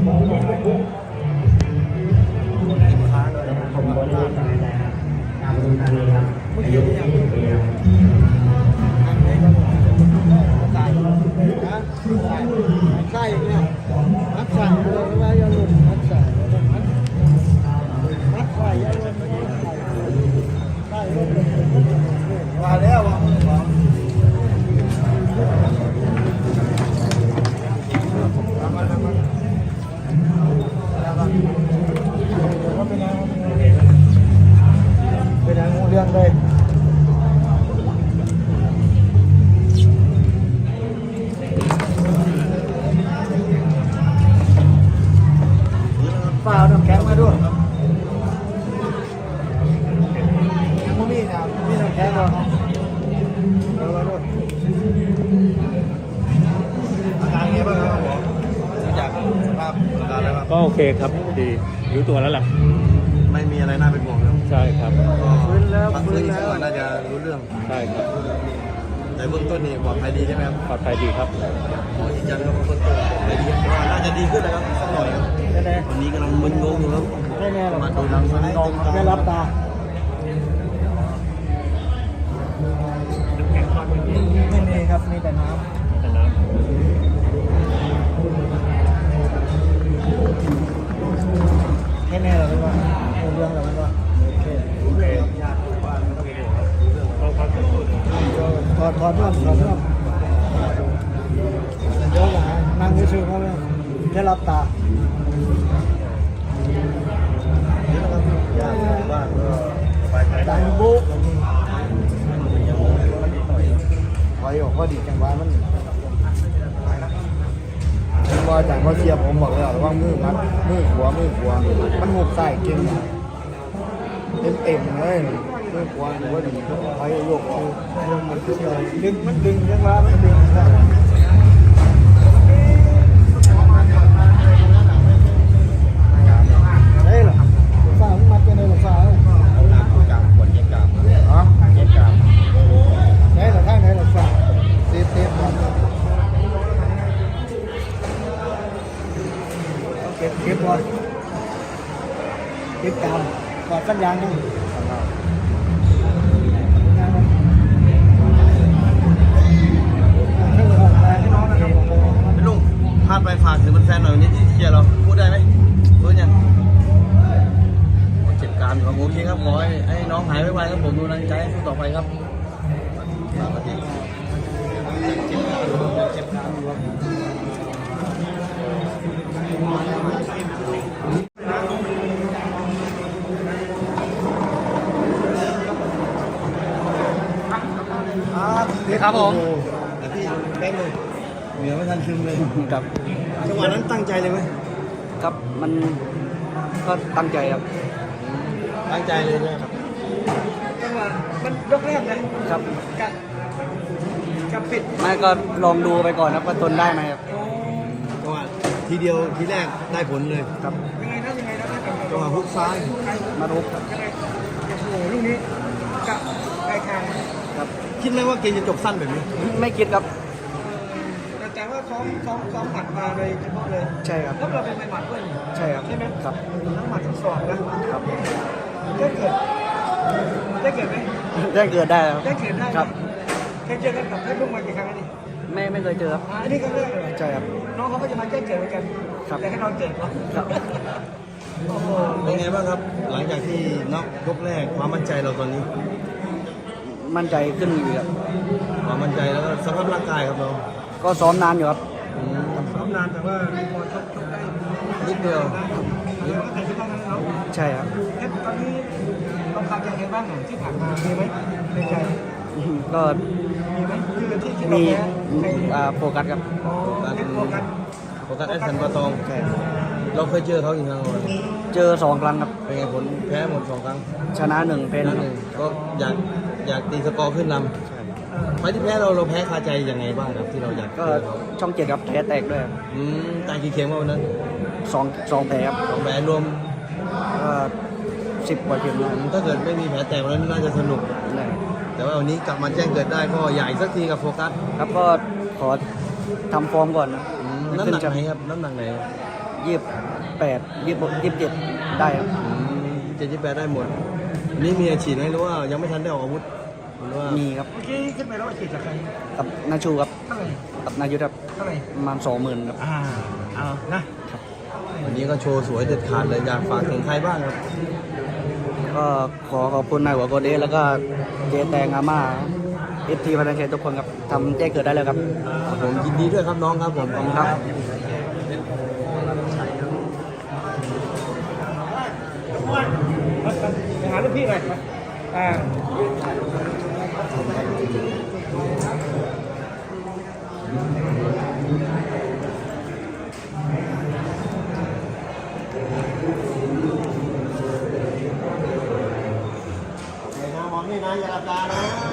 ค้างเลยผมก็ได้เมื่อกี้เนี่ยอันนี้ใส่ใส่เนี่ยมัดใส่เลยว่าอย่าหลุดมัดใส่มัดใส่อย่าหลุดใส่ว่าแล้วว่าเป็นอย่างงูเรื่องเลยเปล่าน้ำแข็งมาด้วยมูมี่นะมีน้ำแข็งเหรอเอามาด้วยอาการไงบ้างครับหมอจากสภาพอาการแล้วครับก็โอเคครับดีรู้ตัวแล้วล่ะไม่มีอะไรน่าเป็นห่วงแล้วใช่ครับฟื้นแล้วฟื้นแล้วน่าจะรู้เรื่องใช่ครับในเบื้องต้นนี่ปลอดภัยดีใช่ไหมครับปลอดภัยดีครับหมอยืนยันครับว่าเบื้องต้นปลอดภัยดีน่าจะดีขึ้นแล้วครับสักหน่อยครับวันนี้กำลังมึนงงอยู่ครับแน่ๆมาดูทางมึนงงไม่รับตาไม่มีครับมีแต่น้ำให้แน่เราไม่ว่าเรื่องเราไม่ว่าโอเคถอดเรื่องเดี๋ยวนั่งชื่อเขาเลยได้รับตาดังบุ๊กไว้ออกก็ดีจังว่ามันว่าจากว่าเชียร์ผมบอกแล้วว่ามือมัดมือขวามันหุบใส่เก่งเต็มเลยมือขวาหรือว่าดีไว้โยกออกมันดึงยังว่ามันดึงเฮ้ยหรอฝ้ามันมัดกันเลยหรอฝ้าเอาหน้าปูกลางขวดเย็บกลางอ๋อเย็บกลางไหนหรอข้างไหนหรอฝ้าเต็มเก็บก่อนเก็บกลางกอดกันยางนี่ลุงพาดไปฝากถึงแฟนหน่อยวันนี้ที่เชียร์เราพูดได้ไหมพูดยังเจ็บกรามอยู่ครับโอเคครับขอให้น้องหายไวๆครับผมดูแลใจสู้ต่อไปครับเจ็บกรามอยู่ครับนี่ครับผมแต่พี่เป๊ะเลยเหนือไม่ทันซึมเลยครับจังหวะนั้นตั้งใจเลยไหมครับมันก็ตั้งใจครับตั้งใจเลยนะครับจังหวะมันยกแรกนะครับกับปิดไม่ก็ลองดูไปก่อนครับว่าทนได้ไหมครับจังหวะทีเดียวทีแรกได้ผลเลยครับยังไงนะจังหวะฮุกซ้ายมาทุบครับโอ้โหลูกนี้กับไอ้คางครับคิดไหมว่าเกมจะจบสั้นแบบนี้ไม่คิดครับแต่ว่าซ้อมหมัดมาเลยเฉพาะเลยใช่ครับแล้วเราเป็นหมัดด้วยใช่ครับใช่ไหมครับทั้งหมัดทั้งศอกนะครับได้เกิดไหมได้เกิดได้ครับเคยเจอกันกับเพชรบุ้งมากี่ครั้งนี่ไม่เคยเจอครับอันนี้ครั้งแรกเลยใช่ครับน้องเขาก็จะมาแจ้งเกิดเหมือนกันแต่ให้น้องเกิดเนาะเป็นไงบ้างครับหลังจากที่น็อกยกแรกความมั่นใจเราตอนนี้มั่นใจขึ้นอยู่ครับความมั่นใจแล้วก็สภาพร่างกายครับเราก็ซ้อมนานอยู่ครับซ้อมนานแต่ว่าพอชกได้นิดเดียวใช่ครับตอนนี้ต้องการจะเห็นบ้างหน่อยที่ผ่านมามีไหมในใจก็มีไหมคือที่มีโฟกัสครับโฟกัสไอ้สันปะตองใช่เราเคยเจอเขากี่ครั้งเจอ2 ครั้งครับเป็นไงผลแพ้หมด2 ครั้งชนะ1แพ้1 ก็อยากตีสกอร์ขึ้นนำไฟที่แพ้เราแพ้คาใจยังไงบ้างครับที่เราอยากก็ช่อง7ครับแพ้แตกด้วยตายกี่เข็มวันนั้น 2 แผลครับ 2 แผลรวม 10 กว่าเข็มถ้าเกิดไม่มีแผลแตกวันนั้นน่าจะสนุกแต่ว่าวันนี้กลับมาแจ้งเกิดได้ก็ใหญ่สักทีกับโฟกัสครับก็ขอทำฟอร์มก่อนน้ำหนักไหนครับน้ำหนักไหน 28 27ได้ครับ 78ได้หมด นี่มีอาชีพไหมหรือว่ายังไม่ทันได้ออกอาวุธหรือว่ามีครับเมื่อกี้ขึ้นไปแล้วฉีดจากใครกับนาชูครับเท่าไหร่กับนายุทธครับเท่าไหร่ประมาณ20,000ครับเอานะวันนี้ก็โชว์สวยเด็ดขาดเลยอยากฝากถึงใครบ้างครับก็ขอขอบคุณนายหัวโกเดสแล้วก็เจแตงอาม่าFT พันธุ์เชนทุกคนครับทำแจ้งเกิดได้เลยครับครับผมยินดีด้วยครับน้องครับผมขอบคุณครับไปหาลูกพี่หน่อยไปมองนี่นะอย่าหลับตานะ